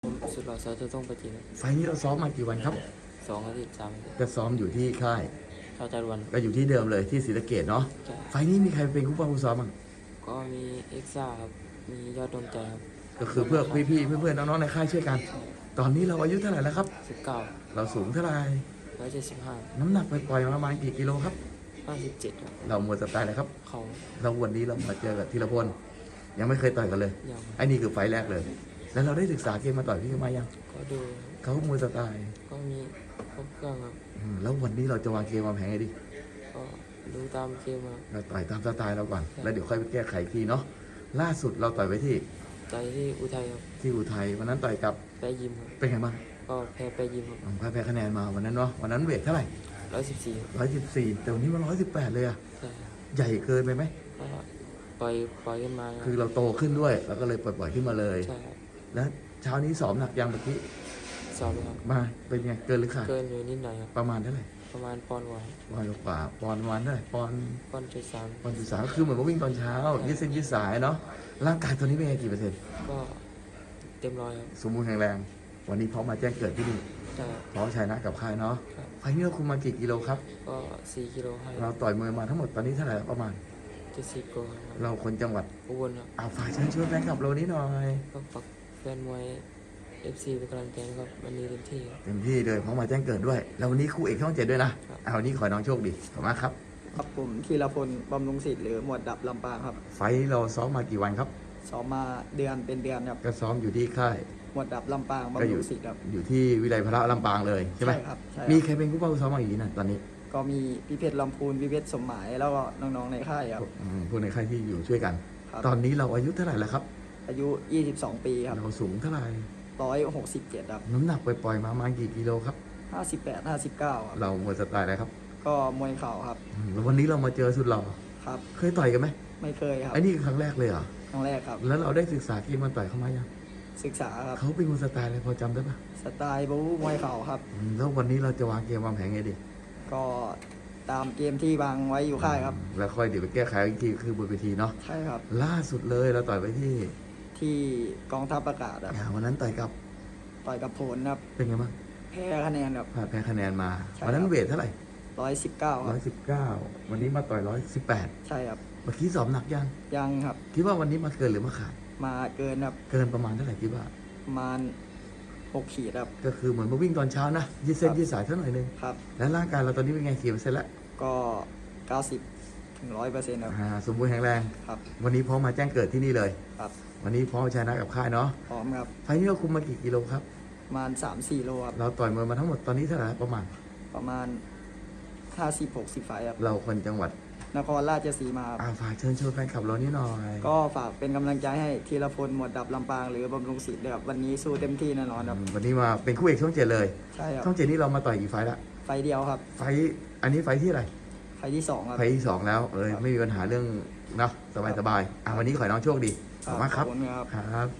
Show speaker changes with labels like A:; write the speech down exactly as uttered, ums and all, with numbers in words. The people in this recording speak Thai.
A: ผมสุดหล่อสาวจะต้องไปจีนครับ
B: ไฟล์นี้เราซ้อมมากี่วันครับ
A: สองอาทิตย์สามอาทิตย์
B: ก็ซ้อมอยู่ที่ค่าย
A: เข้าจารวัน
B: ก็อยู่ที่เดิมเลยที่ศรีสะเกษเนาะ
A: ใช่
B: ไฟล์นี้มีใครเป็นคู่ป้าคู่ซ้อมบ้าง
A: ก็มีเอ็กซ่าครับมียอดดวงใจครับ
B: ก็คือเพื่อพี่ๆเพื่อนๆน้องๆในค่ายช่วยกัน ตอนนี้เราอายุเท่าไหร่แล้วครับ
A: สิบเก้า
B: เราสูงเท่าไหร่
A: ร้อยเจ็ดสิบห้า
B: น้ำหนักปล่อยๆประมาณกี่กิโลครับ
A: ห้าสิบเจ็ดครับ
B: เราหมดสไตล์เลยครับ
A: เขา
B: เราวันนี้เรามาเจอกับธีรพลยังไม่เคยต่อยกันเลย
A: ยัง
B: ไอ้นี่คือไฟล์แรกเลย แล้วเราได้ศึกษาเกมมาต่อยพี่เขามายัง
A: ก็ดู
B: เขามวยสไตล์
A: ก็มีครบเครื่องครับ
B: อืมแล้ววันนี้เราจะวางเกมวางแผนไงดี
A: ก็ดูตามเกมครับ
B: เราต่อยตามสไตล์เราก่อนแล้วเดี๋ยวค่อยไปแก้ไขอีกทีเนาะล่าสุดเราต่อยไปที่
A: ใจที่อุทัยครับ
B: ที่อุทัยวันนั้นต่อยกับ
A: ไปยิมครับ
B: เป็นไงบ้าง
A: ก็แพ้ไปยิมครับ
B: ผมแพ้คะแนนมาวันนั้นเนาะวันนั้นเวทเท่าไหร่
A: ร้อยสิบสี่
B: ร้อยสิบสี่แต่วันนี้มันร้อยสิบแปดเลยอะ
A: ใช่
B: ใหญ่เกินไปไหม
A: ก็ปล่อยปล่อยขึ้นมา
B: คือเราโตขึ้นด้วยแล้วก็เลยปล่อยๆขึ้นมาเลย
A: ใช่ครับ
B: แล้วเช้านี้สอบหนักยังเมื่อกี้
A: สอบครับ
B: มาเป็นไงเกินหรือขาด
A: เกินอยู่นิดหน่อยครับ
B: ประมาณเท่าไหร่
A: ประมาณปอนด์กว่า
B: ปอนด์กว่าปอนด์ประมาณเท่าไหร่ปอนด์
A: ปอนด์จุดสาม
B: ปอนด์จุดสามคือเหมือนว่าวิ่งตอนเช้ายืดเส้นยืดสายเนาะร่างกายตัวนี้เป็นไงกี่เปอร์เซ็นต์
A: ก็เต็มร้อยครับ
B: สมบูรณ์แข็งแรงวันนี้พร้อมมาแจ้งเกิดที่นี่
A: ใช่
B: พร้อมชยนะกับค่ายเนาะไฟนี้เราคุมมากี่กิโลครับ
A: ก็สี่กิโลให้
B: เราต่อยมวยมาทั้งหมดตอนนี้เท่าไหร่ประมาณ
A: เจ็ดสิบกว่าครับ
B: เราคนจังหวัด
A: อุบลครับ
B: เอาฝ่ายเชิญชวนแฟนคลับเรานี้หน่อย
A: ก็ฝากแฟนมวยเอฟซีเป็นกำลังใจนะครับวันนี้เต็มที่
B: เต็มที่เลยพร้อมมาแจ้งเกิดด้วยแล้ววันนี้คู่เอกช่องเจ็ดด้วยนะเอาวันนี้ขอน้องโชคดีขอบคุณมากครับ
C: ครับผมธีรพลบำรุงศิษย์หรือหมวดดับลำปางครับ
B: ไฟเราซ้อมมากี่วันครับ
C: ซ้อมมาเดือนเป็นเดือนครับ
B: ก็ซ้อมอยู่ที่ค่าย
C: หมวดดับลำปางบำรุงศิษย์ครับ
B: อยู่ที่วิไลพระลำปางเลยใช่ไหม
C: ใช่ครับใช่
B: มีใครเป็นคู่เป้าซ้อมมาอีกนะตอนนี้
C: ก็มีพี่เพชรลำพูนพี่เพชรสมหมายแล้วก็น้องๆในค่ายครับ
B: ผู้ในค่ายที่อยู่ช่วยกันตอนนี้เราอายุเท่าไหร่แล้วครับ
C: อายุยี่สิบสองปีครับ
B: เราสูงเท่าไหร่
C: ร้อยหกสิบเจ็ดครับ
B: น้ำหนักปล่อยๆมาประมาณกี่กิโลครับ
C: ห้าสิบแปดห้าสิบเก้าครับ
B: เรามวยสไตล์อะไรครับ
C: ก็มวยเข่าครับ
B: แล้ววันนี้เรามาเจอสุดหล่อ
C: ครับ
B: เคยต่อยกันไหม
C: ไม่เคยครับ
B: ไอ้นี่ครั้งแรกเลยเหรอ
C: ครั้งแรกครับ
B: แล้วเราได้ศึกษาเกมมันต่อยเข้ามายัง
C: ศึกษาครับ
B: เขาเป็นมวยสไตล์อะไรพอจำได้ปะ
C: สไตล์บู๊มวยเข่าครับ
B: แล้ววันนี้เราจะวางเกมวางแผนไงดี
C: ก็ตามเกมที่วางไว้อยู่ค่ายครับ
B: แล้วค่อยเดี๋ยวไปแก้ไขอีกทีคือบนเวทีเนาะ
C: ใช่ครับ
B: ล่าสุดเลยเราต่อยไปที่
C: ที่กองทัพอากาศครับ
B: วันนั้นต่อยกับ
C: ต่อยกับผลครับ
B: เป็นไงบ้าง
C: แพ้คะแนนครับ
B: แพ้คะแนนมาวันนั้นเวทเท่าไหร่
C: ร้อยสิบเก้า
B: ร้อยสิบเก้าวันนี้มาต่อยร้อยสิบแปด
C: ใช่ครับ
B: เมื่อกี้สอบหนักยัง
C: ยังครับ
B: คิดว่าวันนี้มาเกินหรือมาขาด
C: มาเกินครับ
B: เกินประมาณเท่าไหร่คิดว่า
C: ประมาณหกขีดครับ
B: ก็คือเหมือนมาวิ่งตอนเช้านะยืดเส้นยืดสายเท่าหน่อยนึง
C: ครับ
B: แล้วร่างกายเราตอนนี้เป็นไงกี่เปอร์เซ็นต์แล้ว
C: ก็เก้าสิบถึงร้อยเปอร์เซ็นต์ครับ
B: สมบูรณ์แข็งแรง
C: ครับ
B: วันนี้พร้อมมาแจ้งเกิดที่นี่เลย
C: ครับ
B: วันนี้พร้อมชนะกับค่ายเนาะ
C: พร้อมครับ
B: ไฟนี้เราคุมมากี่กิโลครับ
C: ประมาณสามสี่โลครับ
B: เราต่อยมวยมาทั้งหมดตอนนี้เท่าไหร่ประมาณ
C: ประมาณห้าสิบหกสิบไฟครับ
B: เราคนจังหวัด
C: นครราชสีมา
B: อ่าฝากเชิญชวนแฟนคลับเรานี่หน่อย
C: ก็ฝากเป็นกำลังใจให้ธีรพลหมวดดับลำปางหรือบำรุงศิษย์ครับวันนี้สู้เต็มที่แน่นอนครับ
B: วันนี้มาเป็นคู่เอกช่องเจ็ดเลย
C: ใช่ครับ
B: ช่องเจ็ดนี้เรามาต่อยกี่ไฟละ
C: ไฟเดียวครับ
B: ไฟอันนี้ไฟที่อะไร
C: ไฟที่สองครับ
B: ไฟที่สองแล้วเออไม่มีปัญหาเรื่องนะสบายสบายอ่าวันนี้ขอให้น้องโชคดีขอบคุณมากครับครับ